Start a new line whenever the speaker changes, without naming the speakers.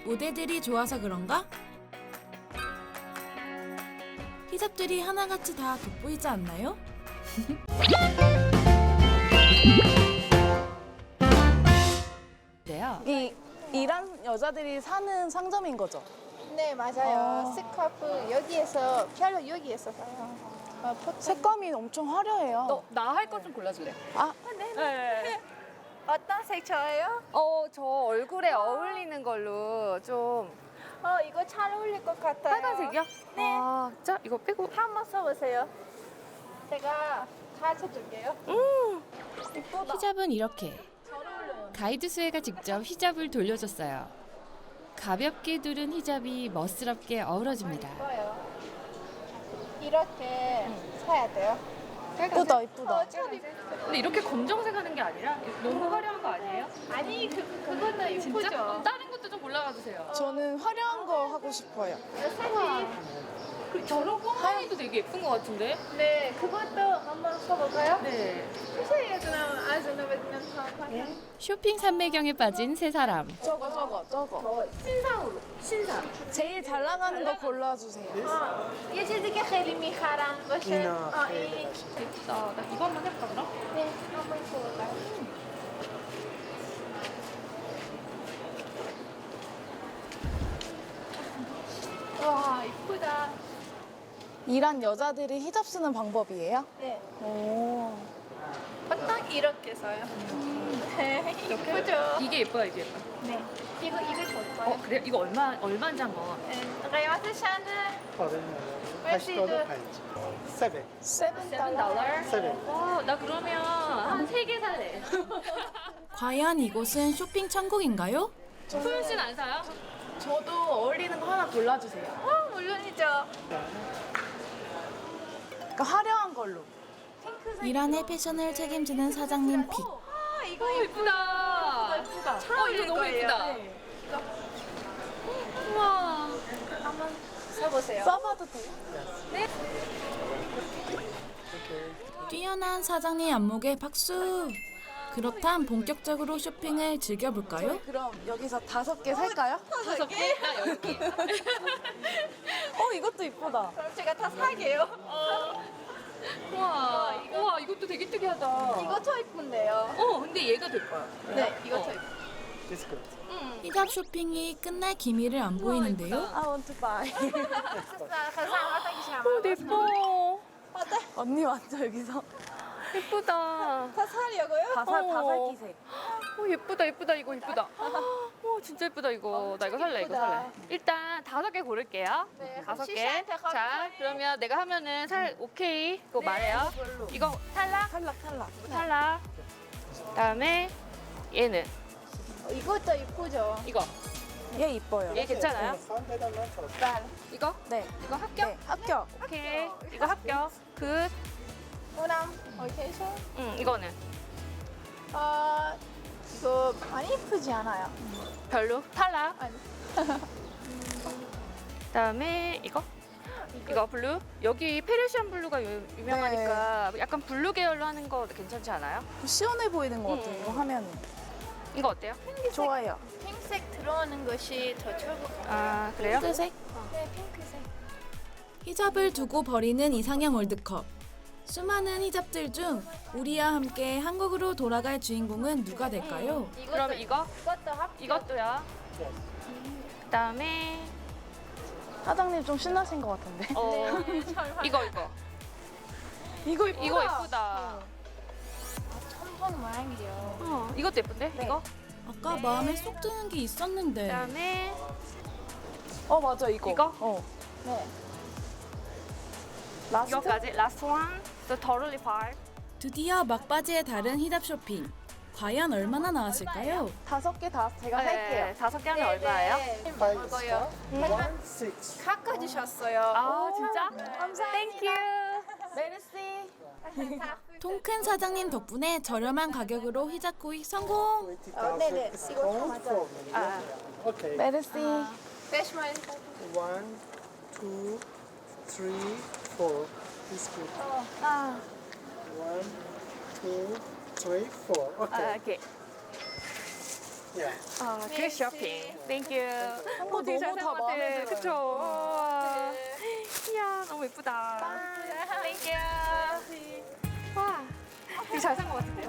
모델들이 좋아서 그런가? 히잡들이 하나같이 다 돋보이지 않나요?
이 이란 여자들이 사는 상점인 거죠?
네, 맞아요. 스카프 여기에서 별로 여기에서 사요.
색감이 엄청 화려해요.
나 할 것 좀 골라줄래?
아,
네.
어떤 색 좋아요?
저 얼굴에 어울리는 걸로 좀
이거 잘 어울릴 것 같아요.
빨간색이요?
네.
아, 자 이거 빼고.
한번 써보세요. 제가 가르쳐줄게요.
히잡은 이렇게. 가이드 수혜가 직접 히잡을 돌려줬어요. 가볍게 두른 히잡이 멋스럽게 어우러집니다.
이거요. 이렇게 사야 돼요.
이쁘다, 이쁘다.
근데 이렇게 검정색 하는 게 아니라 너무 화려한 거 아니에요?
아니, 그것도
진짜?
이쁘죠?
그럼 다른 것도 좀 골라봐 주세요.
저는 화려한 거 하고 싶어요.
색이
저런 꽃무늬도 되게 예쁜 것 같은데?
네, 그것도 한번 써볼까요?
네.
혹시 그럼 아주는 왜
쇼핑 산매경에 빠진 세 사람.
저거.
신상으로. 신상.
제일 잘 나가는 거 골라주세요.
یه چیزی که خیلی میخرن باشه
اینا
این
예쁘다. 나 이거 한번 해볼까 그럼?
네, 한번 써볼까요? 와, 이쁘다.
이란 여자들이 히잡 쓰는 방법이에요?
네,
오.
딱 이렇게 써요. 네, 이쁘죠?
이게 예뻐요, 이게 예뻐.
네, 이거 좋아요.
그래? 이거 얼마인지 한번.
قیمت شنه
$80 파인지. 7.
$7?
7.
와, 나 그러면 한 3개 살래.
과연 이곳은 쇼핑 천국인가요?
소윤 씨는 안 사요?
저도 어울리는 거 하나 골라주세요.
물론이죠.
그러니까 화려한 걸로.
이란의 패션을 책임지는 사장님 픽.
이거
예쁘다.
예쁘다.
잘 어울릴 너무
거예요.
예쁘다.
네.
우와.
한번 써보세요.
써봐도 돼요?
뛰어난 사장님 안목에 박수. 그렇담 본격적으로 쇼핑을 즐겨볼까요?
그럼 여기서 5개 살까요?
5개? 나 10개.
이것도 이쁘다.
그럼 제가 다 사게요.
우와. 우와, 이것도 되게 특이하다.
이거 더 이쁜데요.
근데 얘가 될 거야.
네, 이거 더 이쁘.
It's good.
히잡 쇼핑이 끝날 기미를 안 보이는데요?
I want to buy.
예뻐.
언니 완전 여기서
예쁘다.
다 사려고요?
다살기색.
예쁘다, 예쁘다, 이거 예쁘다. 진짜 예쁘다, 이거. 나 이거 살래, 이거
예쁘다.
살래. 일단 5개 고를게요.
네,
5개.
시시한테
자,
가져가요.
그러면 내가 하면은 오케이. 그거 말해요. 이거 탈락?
탈락.
탈락. 그다음에 얘는
이것도 이쁘죠?
이거.
얘 이뻐요.
얘 괜찮아요?
$3
이거?
네.
이거 합격?
네, 합격.
오케이. 이거 합격. 굿.
호남 어케이션?
이거는
이거 많이 이쁘지 않아요?
별로. 탈락.
아니.
그다음에 이거 블루. 여기 페르시안 블루가 유명하니까 약간 블루 계열로 하는 거 괜찮지 않아요?
시원해 보이는 것 같아요. 이거 하면
이거 어때요?
좋아요.
핑색 들어오는 것이 더 좋을 것 같아요.
아, 그래요?
핑크색?
네, 핑크색.
히잡을 두고 버리는 이상형 월드컵. 수많은 히잡들 중 우리와 함께 한국으로 돌아갈 주인공은 누가 될까요?
그럼 이거?
이것도 합격.
이것도요. 그다음에
사장님 좀 신나신 것 같은데.
이거.
이거 이쁘다.
이거 예쁘다.
천 모양이요.
이것도 예쁜데? 이거?
아까 마음에 쏙 드는 게 있었는데.
그다음에
맞아 이거.
이거?
네.
라스트?
이거까지. Last one. The totally fine.
드디어 막바지에 다른 히잡 쇼핑. 과연 얼마나 나왔을까요?
5개 다 제가 살게요.
5개 하면 얼마예요?
이거요.
6.
깎아주셨어요.
아, 진짜?
감사합니다.
땡큐.
메르시.
통큰 사장님 덕분에 저렴한 가격으로 히잡 구입 성공!
네네. 이거 다 맞아요.
Okay.
메르시.
배시마인
1, 2, 3, 4. It's good. 1, 2, 3, 4. Okay.
오케이.
Yeah.
아, 그 쇼핑. 땡큐.
한국
되게
너무 다
잘
마음에
그쵸?
들어요.
우와. 이야, 너무 예쁘다. 땡큐. 와, 되게 잘 산 것 같은데요?